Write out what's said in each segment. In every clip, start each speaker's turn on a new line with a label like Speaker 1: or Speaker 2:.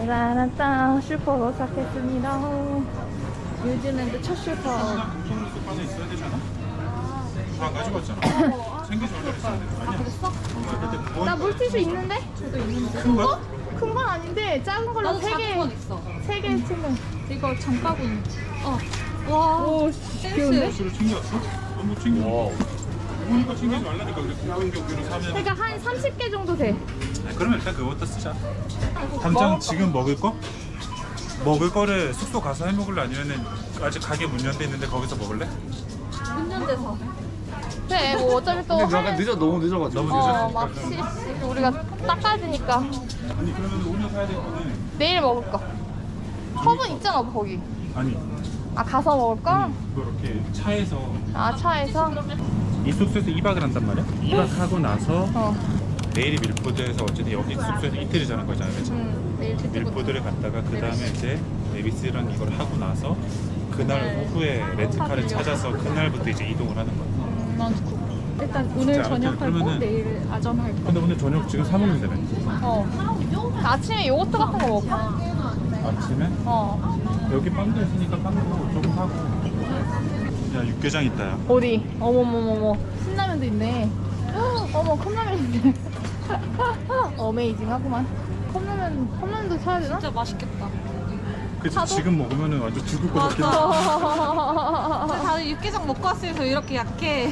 Speaker 1: 따라란따 슈퍼 도착했습니다. 뉴질랜드 첫 슈퍼.
Speaker 2: 공통 숙박에 있어야 되잖아? 다 가지고 왔잖아. 챙겨서 올려있어야 돼. 아니야.
Speaker 1: 그랬어?
Speaker 2: 그때
Speaker 1: 나 물티슈 있는데? 저도 있는데.
Speaker 2: 큰 거야?
Speaker 1: 큰 건 아닌데 작은 걸로
Speaker 3: 나도 작은 건 있어.
Speaker 1: 3개 챙겨.
Speaker 3: 이거 장바구니. 와.
Speaker 1: 오, 귀여운데?
Speaker 2: 술을 챙겨왔어? 너무 챙겨. 우리가 챙기지 말라니까 그래. 공동격으로 사면.
Speaker 1: 그러니까 한 30개 정도 돼.
Speaker 2: 아, 그러면 일단 그거부터 쓰자. 당장 지금 먹을 거? 먹을 거를 숙소 가서 해 먹을래? 아니면은 아직 가게 문 연대 있는데 거기서 먹을래?
Speaker 3: 운전대서.
Speaker 1: 그래, 뭐 어차피 또
Speaker 4: 근데 약간 너무 늦어가지고.
Speaker 2: 너무
Speaker 1: 막 우리가 닦아야 되니까
Speaker 2: 아니 그러면 오늘 사야 될 거는
Speaker 1: 내일 먹을 거. 컵은 있잖아, 거기.
Speaker 2: 아니
Speaker 1: 아, 가서 먹을 거?
Speaker 2: 그거 이렇게 차에서
Speaker 1: 아, 차에서?
Speaker 2: 이 숙소에서 2박을 한단 말이야? 2박하고 나서
Speaker 1: 어.
Speaker 2: 내일이 밀포드에서 어쨌든 여기 숙소에서 이틀을 자는 거잖아, 그치?
Speaker 1: 내일
Speaker 2: 밀포드를 갔다가 그 다음에 이제 네비스랑 이걸 하고 나서 그날 오후에 렌트카를 찾아서 그날부터 이제 이동을 하는 거야.
Speaker 3: 일단 오늘
Speaker 2: 진짜
Speaker 3: 저녁 할 거,
Speaker 2: 그러면은-
Speaker 3: 내일 아점 할 거.
Speaker 2: 근데 오늘 저녁 지금 사 먹는다며?
Speaker 1: 아침에 요거트 같은 거 먹을까?
Speaker 2: 아침에? 여기 빵도 있으니까 빵도 조금 사고. 야 육개장 있다 야.
Speaker 1: 어디? 어머머머머. 신라면도 있네. 어머, 컵라면 있네. 어메이징 하구만. 컵라면도 사야 되나?
Speaker 3: 진짜 맛있겠다.
Speaker 2: 그치
Speaker 1: 사도?
Speaker 2: 지금 먹으면은 완전 죽을 것 같긴 해.
Speaker 3: 근데 다들 육개장 먹고 왔으면서 이렇게 약해.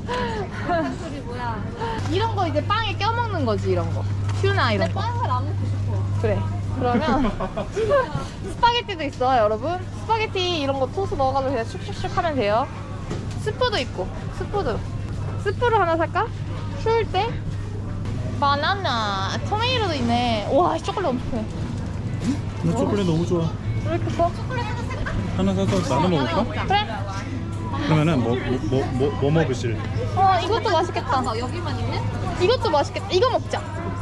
Speaker 3: 소리 뭐야?
Speaker 1: 이런 거 이제 빵에 껴먹는 거지, 이런 거. 튜나 이런 거.
Speaker 3: 빵을 안 먹고 싶어.
Speaker 1: 그래. 그러면 스파게티도 있어, 여러분. 스파게티 이런 거 소스 넣어가지고 그냥 슉슉슉 하면 돼요. 스프도 있고, 스프를 하나 살까? 추울 때? 바나나, 토메이로도 있네. 와, 초콜릿 엄청 크네.
Speaker 2: 나 초콜릿 너무 좋아.
Speaker 1: 왜 이렇게 커?
Speaker 2: 하나 사서 나눠 먹을까?
Speaker 1: 그래?
Speaker 2: 그러면은 뭐 먹으실?
Speaker 1: 이것도 맛있겠다.
Speaker 3: 여기만 있는?
Speaker 1: 이것도 맛있겠다. 이거 먹자.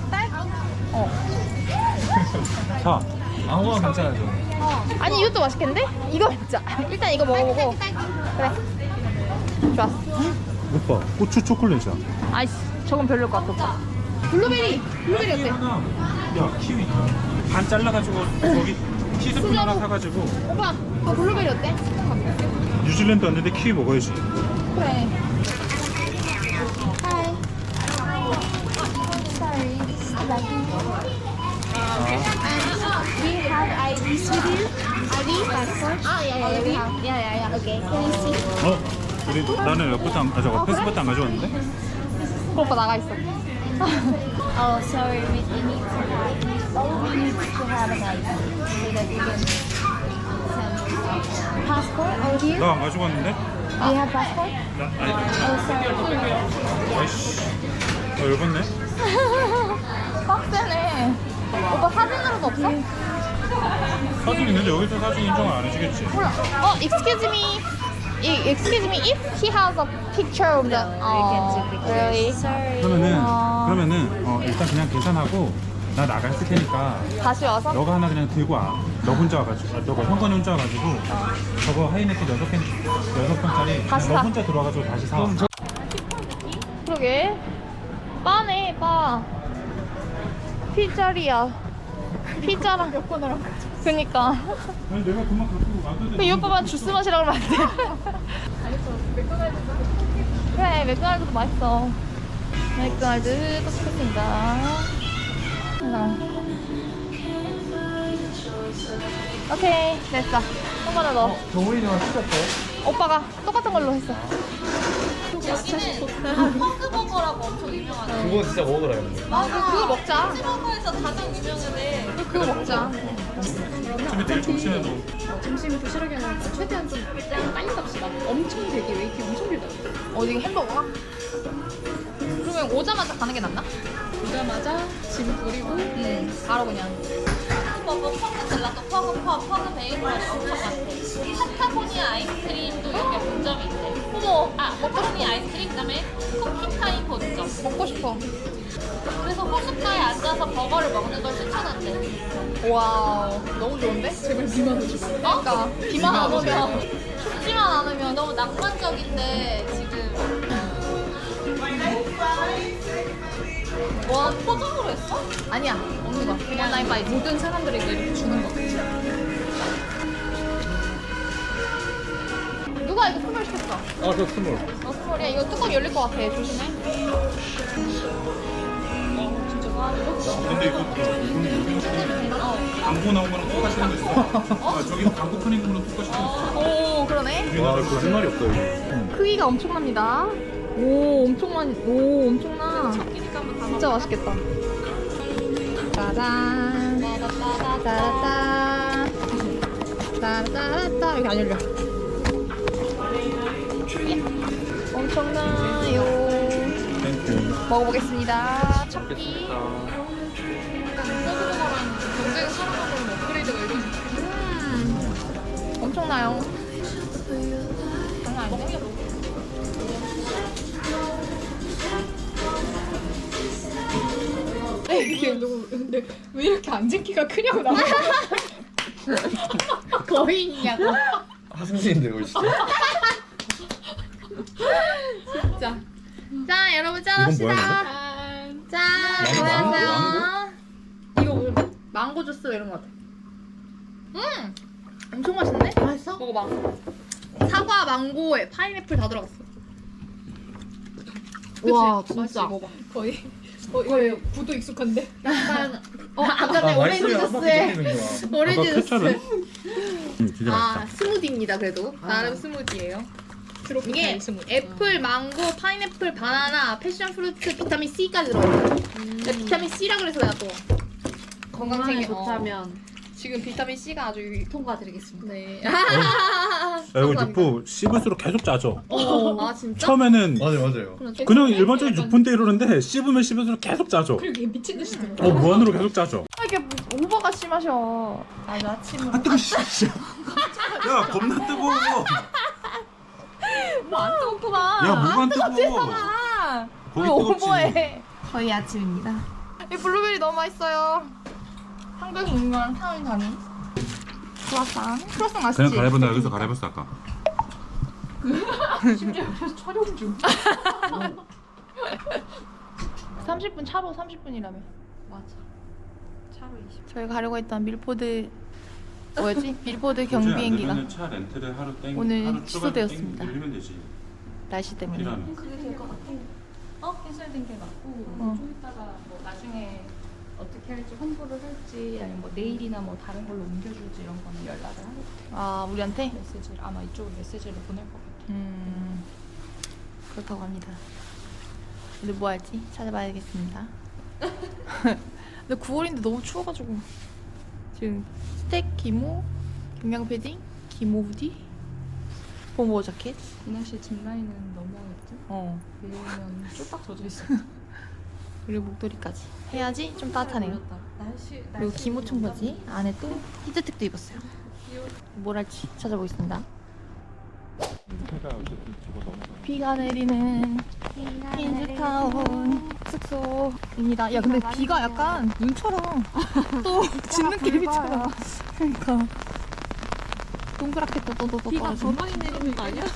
Speaker 2: 사. 아무거나 괜찮아 저.
Speaker 1: 아니, 이것도 맛있겠는데? 이거 먹자. 일단 이거 먹어보고. 그래. 좋았어.
Speaker 2: 오빠 고추 초콜릿이야.
Speaker 1: 아이씨, 저건 별로일 것 같아, 오빠. 블루베리 어때?
Speaker 2: 야 키위 반 잘라가지고 거기 티스푼 하나 사가지고.
Speaker 1: 오빠, 블루베리 어때?
Speaker 2: 뉴질랜드 왔는데 키위 먹어야지.
Speaker 1: 그래. Hi. Sorry.
Speaker 5: We have IDs with you. ID, passport. Yeah. Okay. Can you see?
Speaker 2: 우리 나는 에어포트 저거 패스포트 안 가져왔는데?
Speaker 1: 그 오빠 나가 있어.
Speaker 5: Oh, sorry. We need to have an ID so that we can send passport over here.
Speaker 2: 나 안 가져왔는데?
Speaker 5: Do you have passport?
Speaker 2: 나 아니.
Speaker 5: Oh, sorry.
Speaker 2: 아이씨. 열받네.
Speaker 1: 빡세네. 오빠 사진으로도 없어?
Speaker 2: 사진 있는데 여기서 사진 인정을 안 해주겠지.
Speaker 1: 몰라. Excuse me. Excuse me if he has a picture of the. Really?
Speaker 5: Sorry.
Speaker 2: 그러면은 일단 그냥 계산하고 나 나가 있을 테니까
Speaker 1: 다시 와서?
Speaker 2: 너가 하나 그냥 들고 와. 너 혼자 와가지고 너가 형관이 혼자 와가지고 저거 하이네트 6병짜리
Speaker 1: 다시
Speaker 2: 너
Speaker 1: 사.
Speaker 2: 혼자 들어와가지고 다시 사.
Speaker 1: 그러게. 바네, 바. 피자리야. 피자랑 몇 번을 한 거지? 그니까.
Speaker 2: 아니 내가 그만 갖고 와도
Speaker 1: 이 오빠만 주스 마시라고 하면 안 돼? 그래, 맥도날드도 맛있어. 맥도날드 도착했습니다. 하나. 오케이, 됐어. 한 번에 넣어.
Speaker 4: 정우이랑 시켰어?
Speaker 1: 오빠가 똑같은 걸로 했어.
Speaker 3: 여기는 버그버거라고 엄청 유명하네.
Speaker 4: 그거 진짜 먹으라 했는데.
Speaker 1: 그거 먹자.
Speaker 3: 버거에서 가장 유명하네.
Speaker 1: 그거 먹자.
Speaker 2: 어차피 내일 점심에 너
Speaker 3: 점심 도시락이 아니라 최대한 좀 빨리 갑시다. 엄청 되게 웨이팅 엄청 길다.
Speaker 1: 어디 햄버거가? 그러면 오자마자 가는 게 낫나?
Speaker 3: 오자마자 짐 버리고
Speaker 1: 바로 그냥.
Speaker 3: 버거, 퍼그 젤라또, 퍼그 베이컨이 엄청 많대. 파타고니아 아이스크림도 여기 본점이 있대.
Speaker 1: 어머,
Speaker 3: 파타고니아 아이스크림 그다음에 쿠키타임 본점.
Speaker 1: 먹고 싶어.
Speaker 3: 그래서 호숫가에 앉아서 버거를 먹는 걸 추천한대.
Speaker 1: 와우, 너무 좋은데?
Speaker 3: 제발 비만 오지 마.
Speaker 1: 그러니까 비만 안 오면, 춥지만 않으면
Speaker 3: 너무 낭만적인데 지금 와, 포장으로 했어?
Speaker 1: 아니야, 없는 거. 그냥 나이 바이.
Speaker 3: 모든 사람들에게 이렇게 주는 거.
Speaker 1: 누가 이거 스몰 시켰어?
Speaker 4: 아저 스몰.
Speaker 1: 스몰이야. 이거 뚜껑 열릴 것 같아. 조심해.
Speaker 2: 근데 이거 광고 나온 거랑 똑같이 생겼어. 아, 저기는 광고 푸는 거랑 똑같이 생겼어.
Speaker 1: 오, 그러네.
Speaker 4: 와 거짓말이 없다 이거.
Speaker 1: 크기가 엄청납니다. 오, 엄청나. 진짜 맛있겠다. 짜잔. 따라따. 따라따라따. 여기 안 열려. 엄청나요.
Speaker 2: 땡큐.
Speaker 1: 먹어보겠습니다. 첫끼.
Speaker 3: 경쟁 살아가는 업그레이드가 이런.
Speaker 1: 엄청나요. 장난 아닌데?
Speaker 3: 이게 근데 왜 이렇게 앉은 키가 크냐고 나.
Speaker 1: 거인이냐고.
Speaker 4: 하승진인데 이거 진짜.
Speaker 1: 진짜. 자, 여러분 짠합시다. 짠. 고맙어요. 이거 뭐 망고 주스 이런 거 같아. 엄청 맛있네. 맛있어? 먹어봐. 사과, 망고에 파인애플 다 들어갔어. 그치?
Speaker 3: 와,
Speaker 1: 진짜.
Speaker 3: 먹어봐. 거의 구도 익숙한데.
Speaker 1: 약간 아까 전에 오렌지 주스에 오렌지 주스.
Speaker 2: 케찹은? 진짜
Speaker 1: 아,
Speaker 2: 맛있다.
Speaker 1: 스무디입니다. 그래도 나름 스무디예요. 이게 애플, 망고, 파인애플, 바나나, 패션 프루트, 비타민 C까지 들어있어요. 비타민 C라 그래서 내가 또 건강에
Speaker 3: 좋다면
Speaker 1: 지금 비타민 C가 아주
Speaker 3: 통과드리겠습니다.
Speaker 1: 네.
Speaker 2: 야, 이거 육포 씹을수록 계속 짜져.
Speaker 1: 아 진짜?
Speaker 2: 처음에는
Speaker 4: 맞아요.
Speaker 2: 그냥 일반적인 육포인데 이러는데 씹으면 씹을수록 계속 짜져.
Speaker 3: 이게 미친 듯이 들어.
Speaker 2: 무한으로 계속 짜져.
Speaker 1: 아, 이게 오버가 심하셔. 아주 아침으로.
Speaker 2: 아, 뜨거, 씨. 야, 겁나 뜨거워.
Speaker 1: 뭐안 뜨겁구만.
Speaker 2: 야, 뭐가 안 뜨거워.
Speaker 1: 아,
Speaker 2: 거기
Speaker 1: 왜
Speaker 2: 뜨겁지.
Speaker 1: 오버해? 거의 아침입니다. 이 블루베리 너무 맛있어요. 한국 유명한 타운 단위. 크로아상. 크로아상 맛있지?
Speaker 2: 그냥 갈아입었나 여기서 갈아입었어 아까.
Speaker 3: 심지어 옆에서 촬영 중.
Speaker 1: 30분 차로 30분이라며.
Speaker 3: 맞아. 차로 20.
Speaker 1: 저희가 가려고 했던 밀포드 뭐였지? 밀포드 경비 비행기가
Speaker 2: 차 렌트를 하루 땡
Speaker 1: 오늘
Speaker 2: 하루 출발
Speaker 1: 취소되었습니다.
Speaker 2: 땡 돌리면 되지.
Speaker 1: 날씨 때문에.
Speaker 2: 필요하면.
Speaker 3: 그게 될 것 같아. 캔슬된 게 맞고 좀 이따가 뭐 나중에 어떻게 할지 홍보를 할지 아니면 뭐 내일이나 뭐 다른 걸로 옮겨줄지 이런 거는 연락을 하겠대.
Speaker 1: 아, 우리한테?
Speaker 3: 메시지를 아마 이쪽으로 메시지를 보낼 것 같아.
Speaker 1: 그렇다고 합니다. 오늘 뭐 할지 찾아봐야겠습니다. 근데 9월인데 너무 추워가지고 지금 스택 기모, 경량 패딩, 기모 후디, 봄보 자켓.
Speaker 3: 이 날씨에 짚라인은 너무 어렵지? 내일은 쫄딱 젖어 있어.
Speaker 1: 그리고 목도리까지 해야지 좀 따뜻하네요.
Speaker 3: 날씨
Speaker 1: 그리고 기모 청바지 안에 또 히트텍도 입었어요. 뭘 할지 찾아보겠습니다. 비가 내리는 퀸즈타운 숙소입니다. 야, 근데 비가 약간 눈처럼 또 진느낌이잖아. 그러니까 동그랗게 또
Speaker 3: 비가 더 많이 내리는 거 아니야?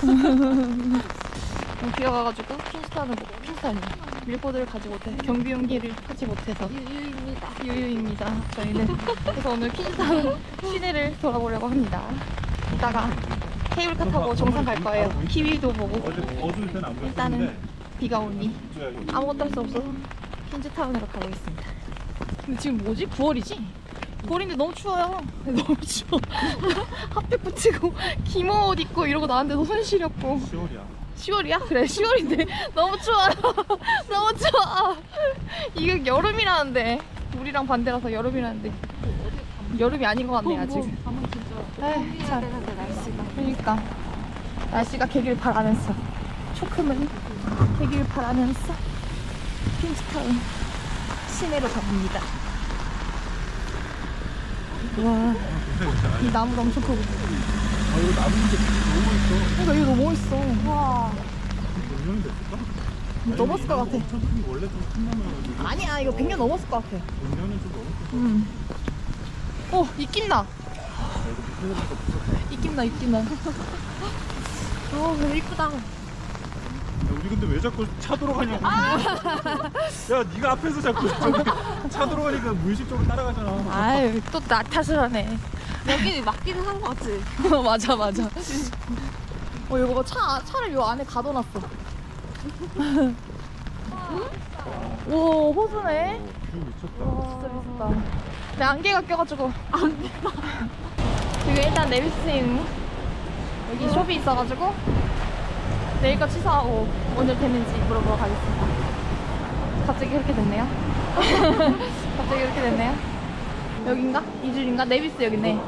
Speaker 1: 비가 와가지고 퀸즈타운을 못 퀸즈타운이 밀보드를 가지 못해 경비용기를 타지 못해서 유유입니다. 저희는 그래서 오늘 퀸즈타운 시내를 돌아보려고 합니다. 이따가 케이블카 타고 정상 갈 거예요. 키위도 보고.
Speaker 2: 어두울 때는 안 보였는데.
Speaker 1: 일단은 비가 오니 아무것도 할 수 없어서 퀸즈타운으로 가보겠습니다. 근데 지금 뭐지? 9월이지? 9월인데 너무 추워요. 너무 추워. 핫팩 붙이고 기모 옷 입고 이러고 나왔는데 손 시렵고.
Speaker 2: 10월이야.
Speaker 1: 10월이야? 그래 10월인데 너무 추워요. 너무 추워. 이게 여름이라는데 우리랑 반대라서 여름이라는데 여름이 아닌 것 같네 아직. 에이, 참. 그러니까 날씨가 개길 바라면서 초큼은 개길 바라면서 퀸즈타운 시내로 가봅니다. 와, 이 나무도 엄청 크고.
Speaker 2: 아, 이거 나무인데 너무 있어.
Speaker 1: 그러니까 이거 너무 멋있어. 와,
Speaker 2: 몇 년이 됐을까?
Speaker 1: 넘었을 것 같아.
Speaker 2: 천천히 원래 좀 큰 나무여가지고
Speaker 1: 아니야, 이거 100년 넘었을 것 같아.
Speaker 2: 5년은 좀 넘었을
Speaker 1: 오, 입김 나. 입김 나, 입김 나. 오, 이쁘다.
Speaker 2: 우리 근데 왜 자꾸 차 돌아가냐고. 야, 네가 앞에서 자꾸 저기 차 돌아가니까 무의식적으로 따라가잖아.
Speaker 1: 아유, 또 나 탓을 하네.
Speaker 5: 여기 맞기는 한 거 같지?
Speaker 1: 맞아, 맞아. 이거 봐. 차를 요 안에 가둬놨어. 오, 호수네.
Speaker 2: 뷰 미쳤다.
Speaker 1: 진짜 미쳤다. 내 안개가 껴가지고. 여기 일단 내비스인 여기 숍이 있어가지고 내일 거 취소하고 오늘 되는지 물어보러 가겠습니다. 갑자기 그렇게 됐네요. 갑자기 그렇게 됐네요. 여긴가? 이 줄인가? 네비스 여기네.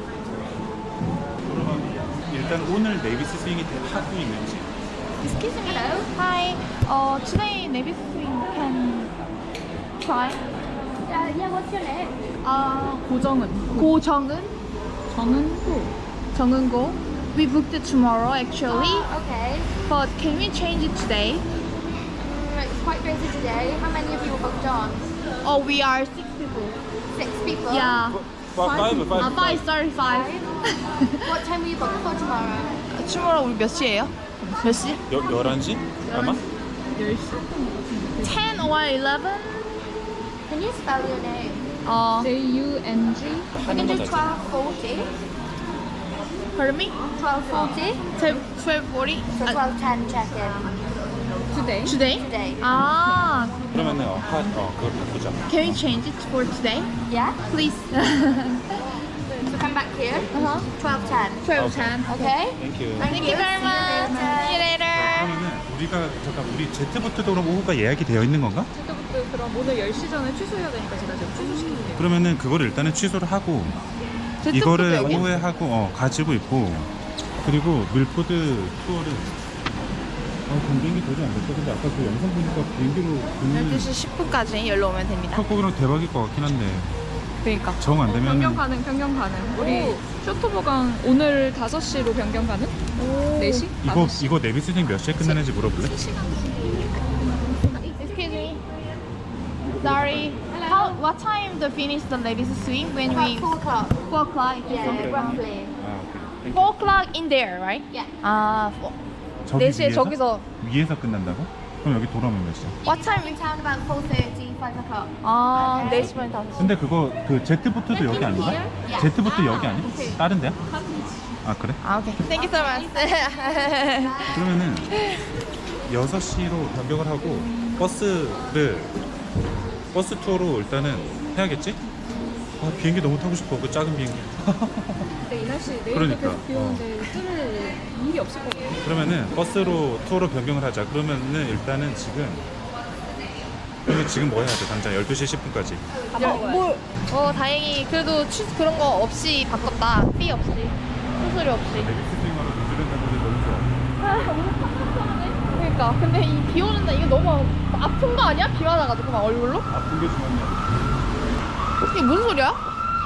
Speaker 2: 그러면 일단 오늘 네비스 스윙이 하고 있는지.
Speaker 1: Excuse me. Hi. Today Navy swing can try.
Speaker 5: Yeah, what's your name?
Speaker 3: 고정은.
Speaker 1: 고정은?
Speaker 3: 정은호.
Speaker 1: 정은고. We booked it tomorrow actually,
Speaker 5: Okay.
Speaker 1: but can we change it today?
Speaker 5: It's quite busy today. How many of you are booked on?
Speaker 1: Oh, we are 6 people.
Speaker 5: 6 people?
Speaker 1: Yeah.
Speaker 2: five.
Speaker 1: 5:35.
Speaker 5: What time were you booked for tomorrow?
Speaker 1: tomorrow 우리 몇 시에요? 몇 시?
Speaker 2: 11시? 아마?
Speaker 1: 10 or 11?
Speaker 5: Can you spell your name?
Speaker 3: JUNG.
Speaker 5: We can do 12:40.
Speaker 1: Pardon me?
Speaker 5: 12:40.
Speaker 1: 12:40?
Speaker 5: So 12:10 check-in.
Speaker 3: Today.
Speaker 1: Today?
Speaker 5: Today.
Speaker 1: 아,
Speaker 2: 그러면은 그걸 바꾸자.
Speaker 1: can we change it for today?
Speaker 5: Yeah?
Speaker 1: Please.
Speaker 5: So come back here. 12:10.
Speaker 1: 12:10.
Speaker 5: Okay?
Speaker 2: Thank you.
Speaker 1: Thank you very much. See you later.
Speaker 2: 그러면은 우리 제트부트도 그럼 오후가 예약이 되어 있는 건가?
Speaker 3: 그때부터 그럼 오늘 10시 전에 취소해야 되니까 제가 지금 취소시킬게요.
Speaker 2: 그러면은 그거를 일단은 취소를 하고
Speaker 1: 제트부트
Speaker 2: 이거를
Speaker 1: 여기?
Speaker 2: 오후에 하고 가지고 있고 그리고 밀포드 투어를 전 비행기 도저히 안 됐어. 근데 아까 그 영상 보니까 비행기로
Speaker 1: 12시 10분까지 열로 오면 됩니다.
Speaker 2: 컵고기랑 대박일 것 같긴 한데
Speaker 1: 그러니까.
Speaker 2: 정 안 되면
Speaker 3: 변경 가능. 우리 쇼토보강 오늘 5시로 변경 가능? 4시?
Speaker 2: 이거 내비스팅 몇 시에 끝나는지 물어볼래?
Speaker 1: Excuse me. Sorry. What time the finish the ladies swing when we?
Speaker 5: About 4 o'clock.
Speaker 1: 4 o'clock.
Speaker 5: Yeah, roughly.
Speaker 2: 아, 오케이.
Speaker 1: 4 o'clock in there, right?
Speaker 5: Yeah.
Speaker 1: 아,
Speaker 2: 저기
Speaker 1: 4시에
Speaker 2: 위에서?
Speaker 1: 저기서.
Speaker 2: 위에서 끝난다고? 그럼 여기 돌아오면 몇 시야?
Speaker 1: What time?
Speaker 5: In town about 4:30, 5 o'clock.
Speaker 1: 아, 4시 반 5시.
Speaker 2: 근데 그거 그 제트부트도 여기 아닌가? 제트부트 여기 아니야? 다른 데야? 아 그래?
Speaker 1: 아, 오케이. Thank you so much.
Speaker 2: 그러면은 6시로 변경을 하고 버스 투어로 일단은 해야겠지? 비행기 너무 타고 싶어. 그 작은 비행기.
Speaker 3: 근데 이 날씨 내일도
Speaker 2: 그러니까,
Speaker 3: 계속 비 오는데 뜰 일이 없을 것 같아요.
Speaker 2: 그러면은 버스로 투어로 변경을 하자. 그러면은 일단은 그러면 지금 뭐 해야 돼? 당장 12시 10분까지.
Speaker 1: 다행히 그래도 그런 거 없이 바꿨다. 삐 없이. 수수료 없이.
Speaker 2: 데비스 스윙하러 뉴질랜드 가는데 너무 좋아.
Speaker 1: 그러니까. 근데 이 비 오는 날 이게 너무 아픈 거 아니야? 비 맞아가지고 막 얼굴로?
Speaker 2: 아픈 게 중요하냐?
Speaker 1: 이게 무슨 소리야?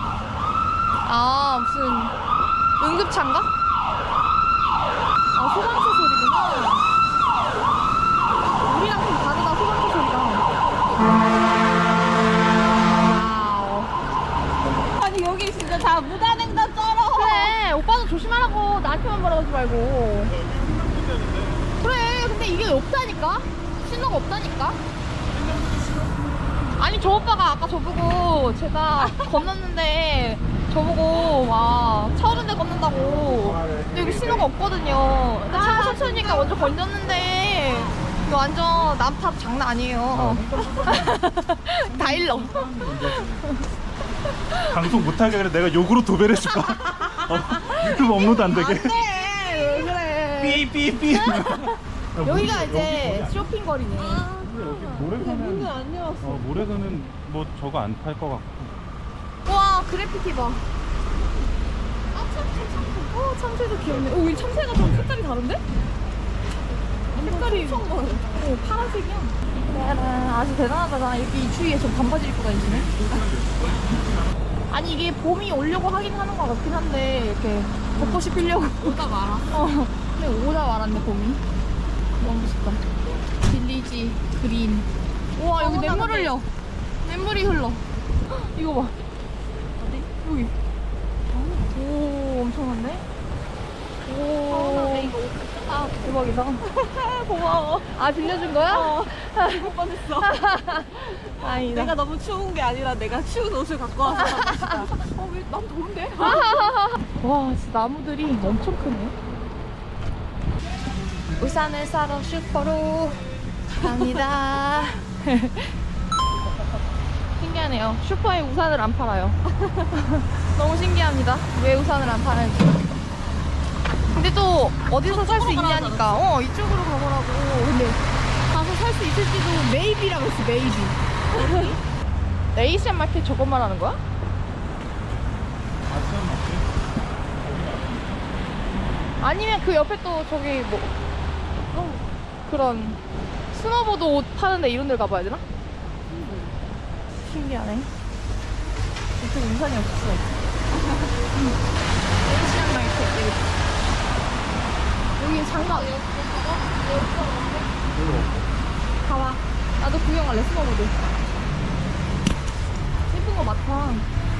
Speaker 1: 아, 무슨 응급차인가? 아, 소방차 소리구나. 우리랑 좀 다르다, 소방차 소리가. 와우.
Speaker 5: 아니 여기 진짜 다 무단횡단 쩔어.
Speaker 1: 그래, 오빠도 조심하라고. 나한테만 말하지 말고. 그래, 근데 이게 없다니까? 신호가 없다니까? 아니, 저 오빠가 아까 저보고 제가 건넜는데 저보고 와 차 오는데 건넌다고. 근데 여기 신호가 없거든요. 근데 차가 천천히니까 먼저 건졌는데 이거 완전 남탑 장난 아니에요. 다 일러.
Speaker 2: 방송 못하게 그래. 내가 욕으로 도배를 해줄까? 유튜브 업로드 안 되게.
Speaker 1: 안돼, 왜 그래.
Speaker 2: 삐삐삐.
Speaker 1: 여기가 이제 쇼핑 거리네.
Speaker 2: 모래사는 안 열었어. 모래사는 뭐 저거 안 팔 것 같고.
Speaker 1: 와, 그래피티 봐. 아, 참새. 참새도 귀엽네. 오, 이 참새가 좀 색깔이 다른데? 색깔이 파란색이야. 아주 대단하다. 나 이렇게 이 추위에 저 반바지 입고 다니시네. 아니, 이게 봄이 오려고 하긴 하는 것 같긴 한데 이렇게 벚꽃이 피려고 오다 말았어. 근데 오다 말았네, 봄이. 너무 멋있다. 빌리지 그린. 우와, 여기 냇물 흘려. 냇물이 흘러. 이거 봐. 어디? 여기. 오, 엄청난데? 오. 대박. 거기서.
Speaker 6: 고마워.
Speaker 1: 아 빌려준 거야?
Speaker 6: 죽을 뻔했어.
Speaker 1: 아니다.
Speaker 6: 내가 너무 추운 게 아니라 내가 추운 옷을 갖고 와서 그런 것이다. 왜 난 더운데?
Speaker 1: 와 진짜 나무들이 엄청 크네. 우산을 사러 슈퍼로 갑니다. 신기하네요. 슈퍼에 우산을 안 팔아요. 너무 신기합니다. 왜 우산을 안 파는지. 근데 또 어디서 살 수 있냐니까. 이쪽으로 가보라고. 근데 가서 살 수 있을지도 메이비라고 했어. 메이비. 에이시안 마켓 저것 말하는 거야? 아니면 그 옆에 또 저기 뭐 그런 스노보드 옷 파는데 이런 데를 가봐야 되나? 신기하네. 이쪽 우산이 없어. 에이시안 마켓 여기 장난. 가봐. 나도 구경할래 스노보드. 예쁜 거 많다.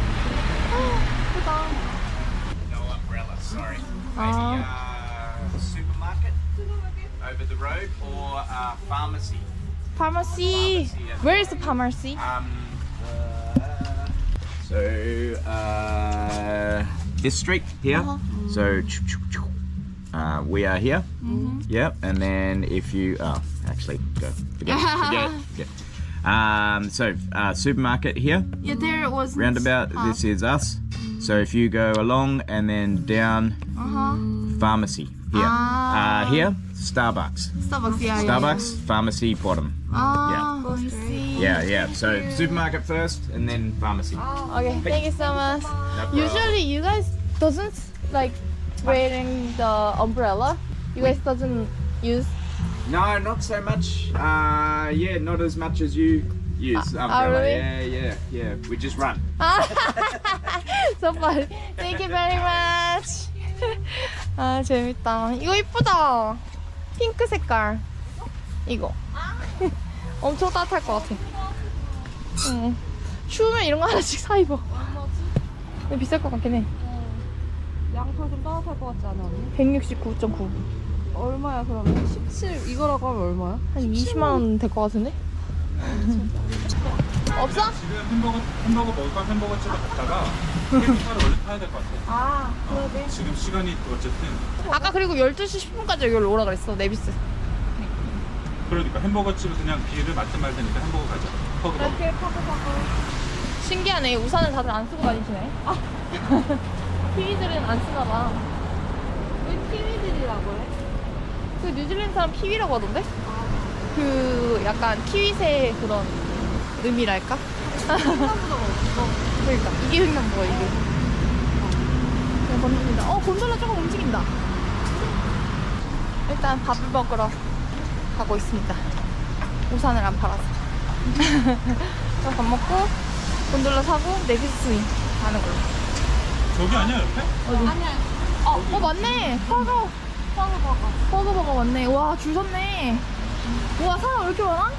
Speaker 1: 예쁘다.
Speaker 7: No umbrella, sorry.
Speaker 1: Ah.
Speaker 7: Maybe supermarket over the road or pharmacy.
Speaker 1: Pharmacy. Where is the pharmacy?
Speaker 7: So this street here. So we are here. Yep. And then if you actually go forget. So supermarket here.
Speaker 1: Yeah, there was
Speaker 7: Roundabout. This is us. So if you go along and then down, pharmacy here. Here, Starbucks.
Speaker 1: Starbucks. Yeah,
Speaker 7: Starbucks, pharmacy bottom.
Speaker 1: Ah, I see.
Speaker 7: Yeah. So supermarket first and then pharmacy.
Speaker 1: Okay, thank you so much.
Speaker 7: No problem.
Speaker 1: Usually, you guys doesn't like wearing the umbrella. You guys doesn't use.
Speaker 7: No, not so much. Yeah, not as much as you use umbrella.
Speaker 1: really?
Speaker 7: Yeah. We just run.
Speaker 1: So funny. Thank you very much. 아 재밌다. 이거 이쁘다. 핑크 색깔. 이거. 엄청 따뜻할 것 같아. 응. 추우면 이런 거 하나씩 사 입어. 근데 비쌀 것 같긴 해.
Speaker 6: 양털 좀 따뜻할 것 같지 않아 언니?
Speaker 1: 169.9.
Speaker 6: 얼마야 그러면? 17 이거라고 하면 얼마야?
Speaker 1: 한 20만 원 될 것 같은데? 없어?
Speaker 2: 지금 햄버거 먹을 거면 햄버거 집에 갔다가 캠핑카를 얼른 타야 될 것 같아.
Speaker 1: 아, 그러네.
Speaker 2: 지금 시간이 어쨌든
Speaker 1: 아까 그리고 12시 10분까지 여기로 오라 그랬어, 네비스.
Speaker 2: 그러니까 햄버거 집을 그냥 비를 맞든 말든니까 햄버거 가자. 퍼그 먹.
Speaker 6: 이렇게 파고
Speaker 1: 신기하네. 우산을 다들 안 쓰고 다니시네. 키위들은 안 쓰나 봐.
Speaker 6: 왜 키위들이라고 해?
Speaker 1: 그 뉴질랜드 사람 키위라고 하던데? 그 약간 키위새 그런 의미랄까? 그러니까 이게 횡단보야 이게. 그냥 건너니다. 곤돌라 조금 움직인다. 일단 밥을 먹으러 가고 있습니다. 우산을 안 팔아서. 밥 먹고 곤돌라 사고 네비스 스윙 가는 걸로.
Speaker 2: 저기 아니야 옆에?
Speaker 1: 어디? 맞네. 버거 맞네. 와, 줄 섰네. 와, 사람 왜 이렇게 많아?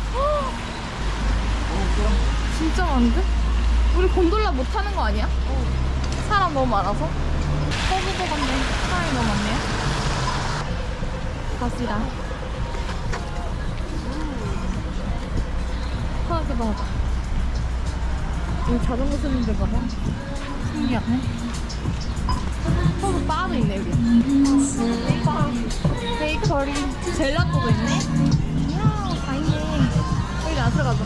Speaker 1: 진짜 많은데? 우리 곤돌라 못 타는 거 아니야? 사람 너무 많아서. 버거 같네. 사람이 너무 많네요. 갑시다. 하나도 봐. 여기 자전거 쓰는 데가 봐. 신기하네. 바도 있네 여기. 바, 베이커리, 젤라또도 있네. 이야, 다 있네. 여기 안 들어가자.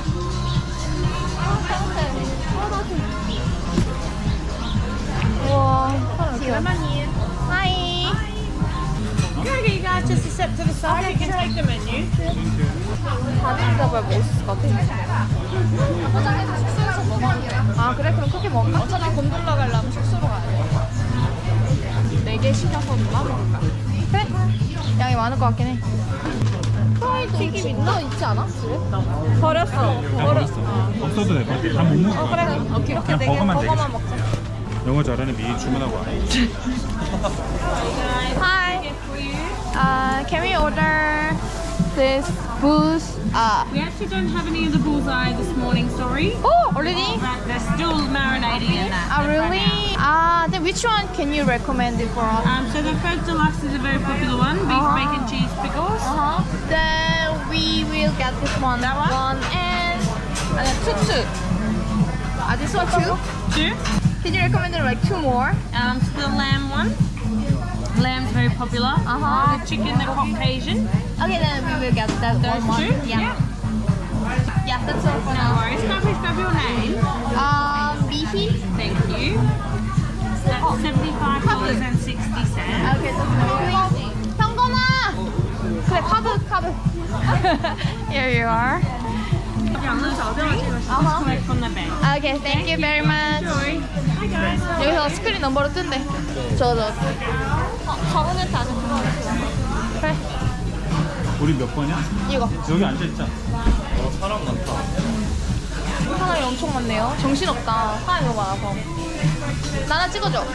Speaker 1: 우와, 사람 이렇게 많아. 하이.
Speaker 6: Okay, you guys just step to the side. You can take the menu.
Speaker 1: 다리를 잡아야 먹을 수 있을 것 같아. 아 그래? 그럼 그렇게 먹을까? 어차피 곤돌라 가려면 숙소로 가야 돼. 4개 시켜서 누가 먹을까? 그래? 양이 많을 것 같긴 해. 프라이드 튀김 있나? 있지 않아? 집에? 버렸어.
Speaker 2: 다 버렸어. 없어도 될 것 같아. 다 못 먹을 것
Speaker 1: 그래.
Speaker 2: 같아.
Speaker 1: 오케이. 이렇게
Speaker 2: 그냥
Speaker 1: 4개
Speaker 2: 버거만
Speaker 1: 버거만 먹자.
Speaker 2: 영어 잘하는 미리 주문하고 와.
Speaker 1: Hi. Can we order this booze?
Speaker 8: We actually don't have any of the bullseye this morning, sorry.
Speaker 1: Oh, already?
Speaker 8: They're still marinating in that.
Speaker 1: Really? Then which one can you recommend it for us?
Speaker 8: So the first deluxe is a very popular one, beef bacon cheese pickles.
Speaker 1: Then we will get this one.
Speaker 8: That one?
Speaker 1: and two. This one too?
Speaker 8: 2.
Speaker 1: Can you recommend like 2 more?
Speaker 8: So the lamb one. Lamb's very popular. The chicken, the Caucasian.
Speaker 1: Okay, then we will get that
Speaker 8: Those
Speaker 1: one.
Speaker 8: 2.
Speaker 1: Yeah. Yeah, that's all for
Speaker 8: No
Speaker 1: now.
Speaker 8: worries. Can I please grab your name?
Speaker 1: Beefy?
Speaker 8: Thank you. So that's $75.60.
Speaker 1: Okay, that's 현건아! 그래, 카드. Here you are.
Speaker 8: Collect from the bank.
Speaker 1: Okay, thank you very much. 여기서 스크린 넘버로 뜬대. 저. 정은은 다 그래,
Speaker 2: 우리 몇 번이야?
Speaker 1: 이거.
Speaker 2: 여기 앉아있자.
Speaker 4: 사람 많다.
Speaker 1: 사람이 엄청 많네요. 정신없다. 사람이 너무 많아서. 나 하나 찍어줘.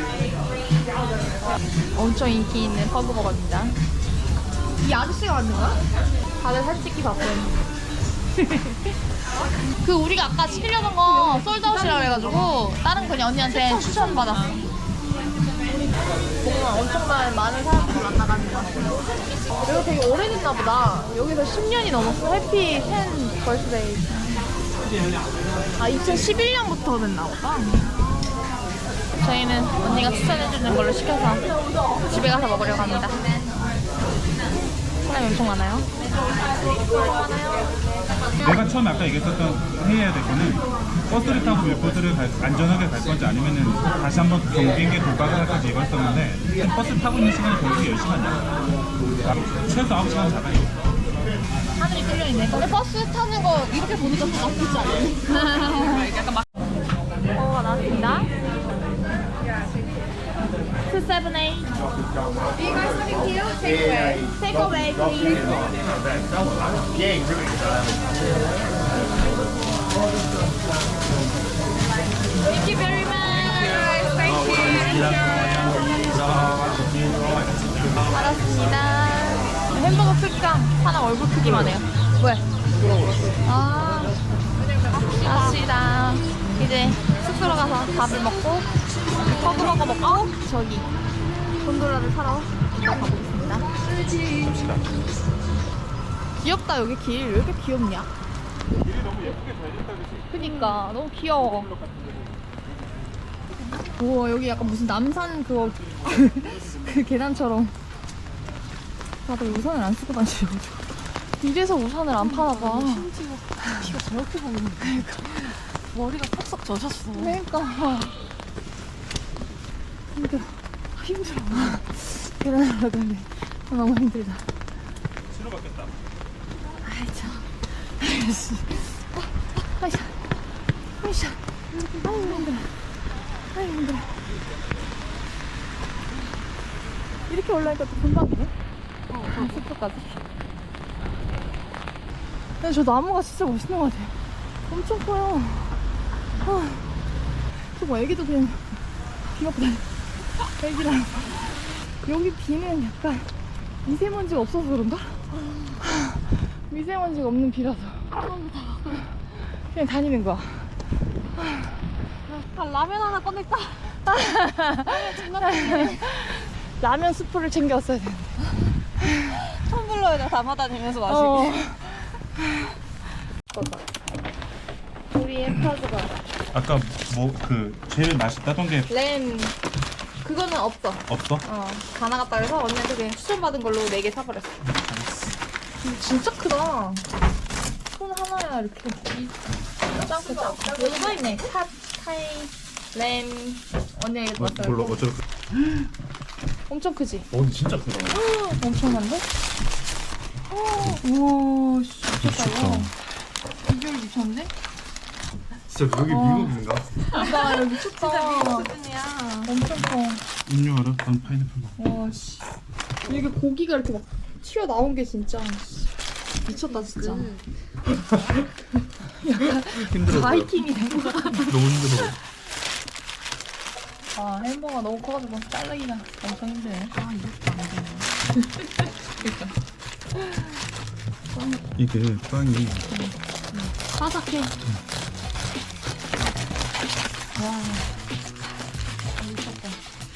Speaker 1: 엄청 인기 있는 퍼그버거입니다. 이 아저씨가 만든 거야? 다들 사진 찍기 바쁜. 그 우리가 아까 시키려던 거 솔드아웃이라고 해가지고 다른 그냥 언니한테 추천받았어. 뭔가 엄청난 많은 사람들이 만나가는 것 같아요. 이거 되게 오래됐나 보다. 여기서 10년이 넘었어. 해피 10 벌스데이. 아, 2011년부터 됐나 보다. 저희는 언니가 추천해주는 걸로 시켜서 집에 가서 먹으려고 합니다. 사람이 엄청 많아요.
Speaker 2: 내가 처음에 아까 얘기했었던 회의해야 될 거는 버스를 타고 밀보드를 안전하게 갈 건지 아니면은 다시 한번 경비행기 도박을 할 건지 이거였었는데 버스 타고 있는 시간이 결국 10시간이야. 최소 9시간 잡아요.
Speaker 1: 하늘이 뚫려있네. 근데 버스 타는 거 이렇게 보니까 더 나쁘지 않네. 약간 막. 버거가 나왔습니다. 278. Do you guys have a queue? Take away. Take away, please. Thank you very much. Thank you. 알았습니다. 햄버거 크기랑 사람 얼굴 크기만 해요. 왜? 아, 갑시다. 이제 숙소로 가서 밥을 먹고 퍼그버거 먹고 저기 곤돌라를 사러 가보겠습니다. 귀엽다. 여기 길 왜 이렇게 귀엽냐?
Speaker 2: 길이 너무 예쁘게 잘 됐다 그치?
Speaker 1: 그니까 너무 귀여워. 우와, 여기 약간 무슨 남산 그거 그 계단처럼. 다들 우산을 안 쓰고 다니셔가지고 이래서 우산을 안 파나봐.
Speaker 6: 비가 저렇게 보이는데. 그러니까. 머리가 퍽퍽 젖었어.
Speaker 1: 그러니까 힘들어. 계단 올라가는데 너무 힘들다.
Speaker 2: 신호 바뀌었다.
Speaker 1: 아이 참. 아이씨. 아이씨. 아이씨. 아이고 힘들어. 아이고 힘들어. 이렇게 올라니까 또 금방이네. 숙소까지. 근데 저 나무가 진짜 멋있는 것 같아요. 엄청 커요. 저거 애기도 그냥 귀엽다. 애기랑. 여기 비는 약간 미세먼지가 없어서 그런가? 미세먼지가 없는 비라서 그냥 다니는 거야.
Speaker 6: 라면 하나 꺼낼까?
Speaker 1: 라면 스프를 챙겨왔어야 되는데.
Speaker 6: 텀블러에다 담아다니면서 마시기.
Speaker 1: 우리의 퍼그버거.
Speaker 2: 아까 뭐 그 제일 맛있다던 게
Speaker 1: 램 그거는 없어.
Speaker 2: 없어?
Speaker 1: 다 나갔다 그래서 언니한테 그냥 추천받은 걸로 4개 사버렸어. 진짜 크다. 손 하나야 이렇게. 짱크 짱크. 여기 써있네. 팥, 타이, 램. 언니가 이거 왔어요.
Speaker 2: 몰라 어쩌고
Speaker 1: 엄청 크지?
Speaker 4: 근데 진짜 크다.
Speaker 1: 엄청난데? 우와, 미쳤다 이거. 비주얼 미쳤는데?
Speaker 4: 진짜 여기 미국인가?
Speaker 1: 나 여기 미쳤다.
Speaker 6: 수준이야.
Speaker 1: 엄청 커.
Speaker 2: 음료 알아? 난 파인애플 먹어.
Speaker 1: 와, 씨. 이게 고기가 이렇게 막 튀어나온 게 진짜 미쳤다, 진짜.
Speaker 4: 힘들어.
Speaker 1: 바이킹이네.
Speaker 4: 너무 힘들어.
Speaker 1: 아, 햄버거 너무 커가지고 자르기가 엄청 힘드네. 아, 이것도 안 되네.
Speaker 2: 이게 빵이
Speaker 1: 바삭해. 와, 미쳤다.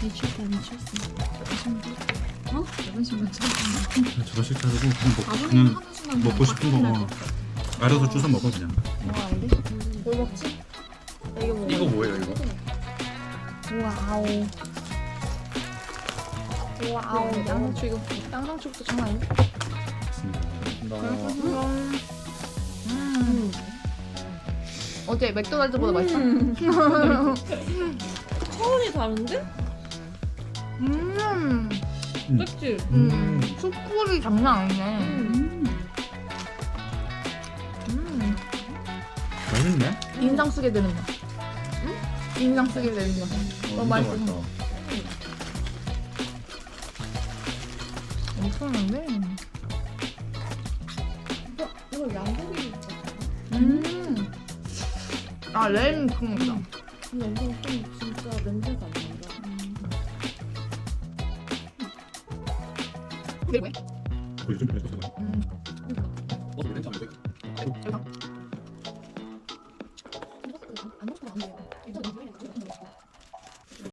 Speaker 2: 저거 싫다고 그냥 먹고 싶은 거 알아서 주워 먹어 그냥.
Speaker 1: 뭘 먹지?
Speaker 4: 이거 뭐예요 이거?
Speaker 1: 와우. 와우. 양상추 이거 양상추부터 장난 아닌데? 어때? 맥도날드보다 맛있어?
Speaker 6: 차원이 다른데? 그치?
Speaker 1: 숯불이 장난 아니네.
Speaker 2: 맛있네.
Speaker 1: 인상 쓰게 되는 거. 인상 쓰게 되는 거. 너무 맛있어. 엄청난데?
Speaker 6: 이거 양고기
Speaker 1: 아, 램 그런 거다.
Speaker 6: 근데 엄청 좀 진짜 냄새가 안 난다.
Speaker 1: 이게 뭐야?
Speaker 2: 요즘 그래서 좋아해.
Speaker 1: 안 먹어도 안 돼요.